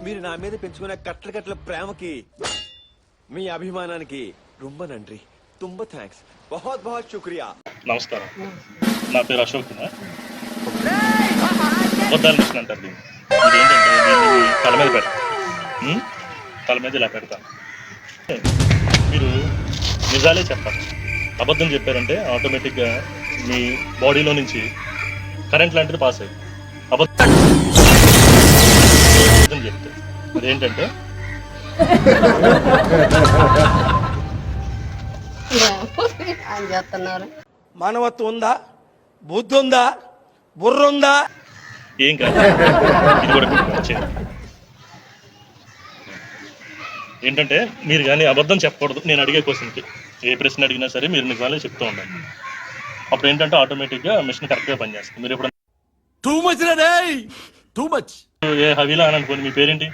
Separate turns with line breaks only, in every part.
మీరు నా మీద పెంచుకున్న కట్ల కట్ల ప్రేమకి మీ అభిమానానికి రొంబ నండ్రి తుంబ థ్యాంక్స్ బహుత్ బహుత్ శుక్రియా.
నమస్కారం, నా పేరు అశోక్ కుమార్. అబద్ధాలు మిషన్ అంటారు దీన్ని. ఇదేంటంటే దీన్ని తల మీద పెడతాను, తల మీద ఇలా పెడతాను. మీరు నిజాలే చెప్పాలి. అబద్ధం చెప్పారంటే ఆటోమేటిక్గా మీ బాడీలో నుంచి కరెంట్ లాంటిది పాస్ అయ్యి అబద్ధం చెప్తే మరి ఏంటంటే
మానవత్వం ఉందా, బుద్ధి ఉందా, బుర్ర ఉందా?
ఏం కాదు, ఇది కూడా వచ్చేది. ఏంటంటే మీరు కానీ అబద్ధం చెప్పకూడదు. నేను అడిగే క్వశ్చన్కి ఏ ప్రశ్న అడిగినా సరే మీరు నిజాలే చెప్తూ ఉండాలి. అప్పుడు ఏంటంటే ఆటోమేటిక్గా మిషన్ కరెక్ట్గా పనిచేస్తుంది. మీరు ఎప్పుడు ఏ హవీలా అని అనుకోండి, మీ పేరేంటి?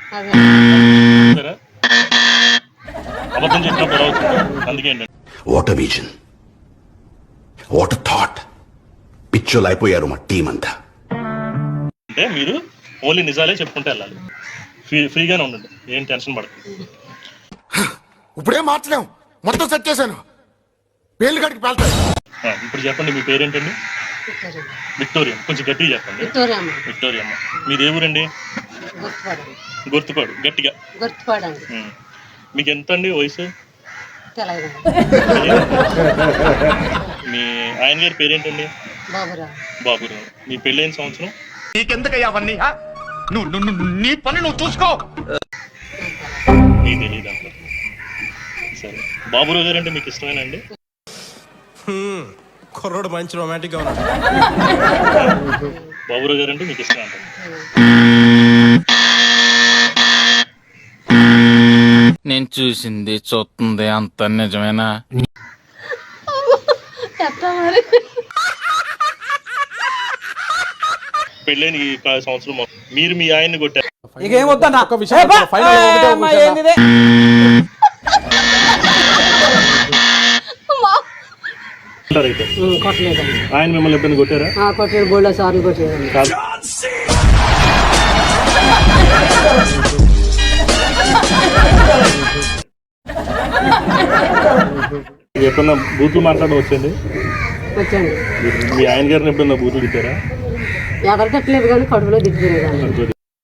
అబద్ధం చెప్పినప్పుడు ఎలా అవుతుంది? అందుకే ఏంటంటే
వాట్ విజన్, వాట్ థాట్, పిచ్చోలు అయిపోయారు మా టీం అంతా.
అంటే మీరు ఓన్లీ నిజాలే చెప్పుకుంటే వెళ్ళాలి. ఫ్రీగానే ఉండండి, ఏం టెన్షన్ పడదు.
ఇప్పుడేం మార్చలేము, మొత్తం సెట్ చేశాను. పేర్లు గడికి పేల్తాయి.
ఇప్పుడు చెప్పండి, మీ పేరేంటండి? విక్టోరియా. కొంచెం గట్టిగా చెప్పండి. విక్టోరియా అమ్మ. మీది ఏ ఊరండి? గుర్తుపాడు. గట్టిగా. మీకు ఎంత అండి వయసు? మీ ఆయన గారి పేరేంటండి? బాబురావు. మీ పెళ్ళైన సంవత్సరం?
నీకెందుకయ్యా అవన్నీ? నీ పని నువ్వు చూసుకో.
మీకు తెలియదు అంటారు. సరే, బాబురావు గారు అంటే మీకు ఇష్టమేనండి?
కుర్రోడు మంచి రొమాంటిక్ గా ఉన్నాడు.
బాబురావు గారు అంటే మీకు ఇష్టం అంటారు.
నేను చూసింది చూస్తుంది అంత నిజమేనా?
పెళ్ళైన ఈ సంవత్సరం మీరు మీ ఆయన్ని కొట్టారు. ఆయన మిమ్మల్ని ఎప్పుడైనా కొట్టారా?
కొట్టారు, బోల్డ్ సార్లు కొట్టారు.
ఎప్పుడన్నా బూతులు మాట్లాడడం వచ్చండి?
వచ్చండి.
మీ ఆయన గారిని ఎప్పుడన్నా బూతులు తిట్టారా?
ఎవరు తిట్టలేదు కానీ కడుపులో తిట్టుకునేదాన్ని.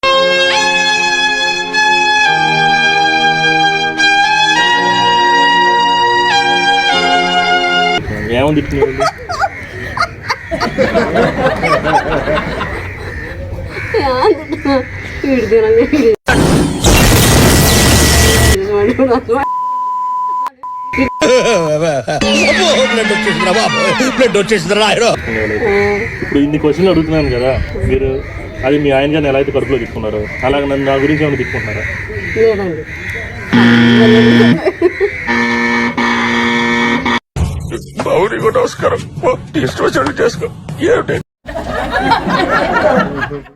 ఏమని తిట్టినారండి? ఇప్పుడు ఇన్ని క్వశ్చన్లు అడుగుతున్నాను కదా, మీరు అది మీ ఆయన గారిని ఎలా అయితే కడుపులో తిట్టుకున్నారు అలాగే నన్ను నా గురించి ఏమైనా తిట్టుకుంటున్నారా?
లేదండి.
బావుని కూడా నమస్కారం. చేసుకో.